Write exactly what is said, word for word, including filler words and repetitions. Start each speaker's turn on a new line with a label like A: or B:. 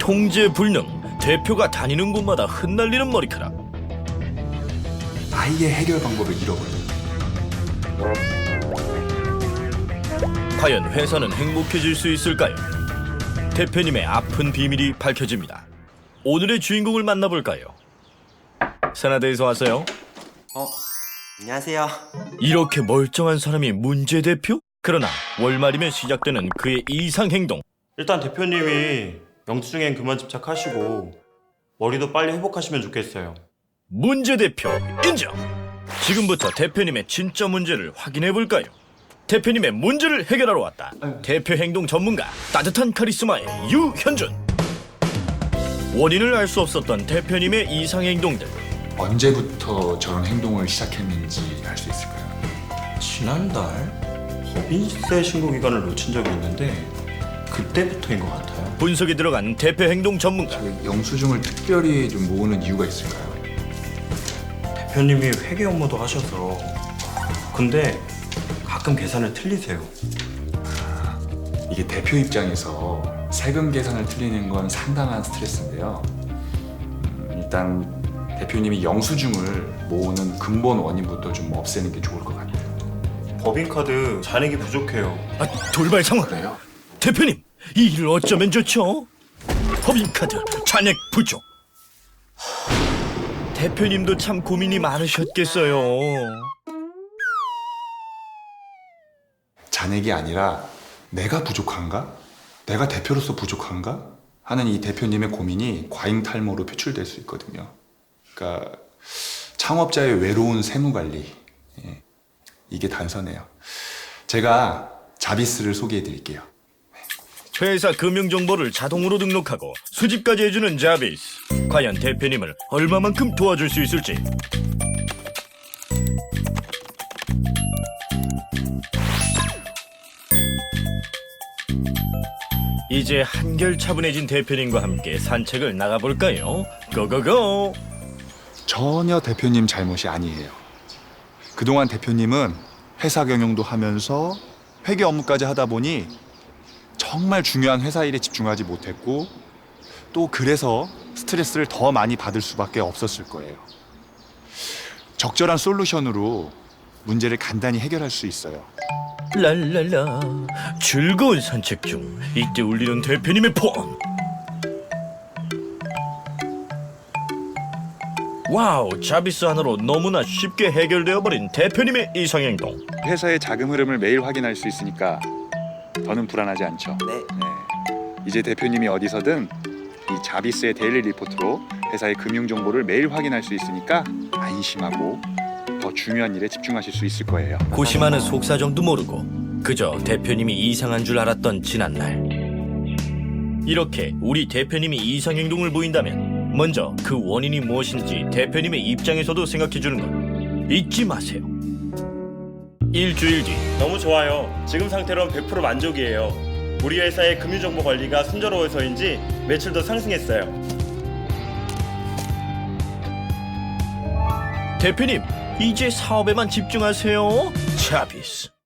A: 통제 불능, 대표가 다니는 곳마다 흩날리는 머리카락.
B: 아예 해결 방법을 잃어버려요.
A: 과연 회사는 행복해질 수 있을까요? 대표님의 아픈 비밀이 밝혀집니다. 오늘의 주인공을 만나볼까요? 세나대에서 왔어요?
C: 어, 안녕하세요.
A: 이렇게 멀쩡한 사람이 문제 대표? 그러나 월말이면 시작되는 그의 이상 행동.
C: 일단 대표님이 영수증엔 그만 집착하시고 머리도 빨리 회복하시면 좋겠어요.
A: 문제 대표 인정! 지금부터 대표님의 진짜 문제를 확인해 볼까요? 대표님의 문제를 해결하러 왔다. 대표 행동 전문가, 따뜻한 카리스마의 유현준. 원인을 알 수 없었던 대표님의 이상 행동들.
B: 언제부터 저런 행동을 시작했는지 알 수 있을까요?
C: 지난달 법인세 신고 기간을 놓친 적이 있는데 그때부터인 것 같아요.
A: 분석이 들어간 대표 행동 전문가.
B: 그 영수증을 특별히 좀 모으는 이유가 있을까요?
C: 대표님이 회계 업무도 하셔서 근데 가끔 계산을 틀리세요.
B: 이게 대표 입장에서 세금 계산을 틀리는 건 상당한 스트레스인데요. 음, 일단 대표님이 영수증을 모으는 근본 원인부터 좀 없애는 게 좋을 것 같아요.
C: 법인카드 잔액이 부족해요.
A: 아, 돌발 상황.
B: 그래요?
A: 대표님, 이 일을 어쩌면 좋죠? 법인카드 잔액 부족. 대표님도 참 고민이 많으셨겠어요.
B: 잔액이 아니라 내가 부족한가? 내가 대표로서 부족한가? 하는 이 대표님의 고민이 과잉 탈모로 표출될 수 있거든요. 그러니까 창업자의 외로운 세무관리, 예, 이게 단서네요. 제가 자비스를 소개해 드릴게요.
A: 회사 금융정보를 자동으로 등록하고 수집까지 해주는 자비스. 과연 대표님을 얼마만큼 도와줄 수 있을지. 이제 한결 차분해진 대표님과 함께 산책을 나가볼까요? 고고고!
B: 전혀 대표님 잘못이 아니에요. 그동안 대표님은 회사 경영도 하면서 회계 업무까지 하다 보니 정말 중요한 회사 일에 집중하지 못했고 또 그래서 스트레스를 더 많이 받을 수밖에 없었을 거예요. 적절한 솔루션으로 문제를 간단히 해결할 수 있어요.
A: 랄랄라, 즐거운 산책 중 이때 울리는 대표님의 폰. 와우, 자비스 하나로 너무나 쉽게 해결되어버린 대표님의 이상행동.
B: 회사의 자금 흐름을 매일 확인할 수 있으니까 더는 불안하지 않죠.
C: 네.
B: 네. 이제 대표님이 어디서든 이 자비스의 데일리 리포트로 회사의 금융 정보를 매일 확인할 수 있으니까 안심하고 더 중요한 일에 집중하실 수 있을 거예요.
A: 고심하는 속사정도 모르고 그저 대표님이 이상한 줄 알았던 지난날. 이렇게 우리 대표님이 이상행동을 보인다면 먼저 그 원인이 무엇인지 대표님의 입장에서도 생각해주는 것 잊지 마세요. 일주일 뒤.
C: 너무 좋아요. 지금 상태로는 백 퍼센트 만족이에요. 우리 회사의 금융정보 관리가 순조로워서인지 매출도 상승했어요.
A: 대표님, 이제 사업에만 집중하세요. 자비스.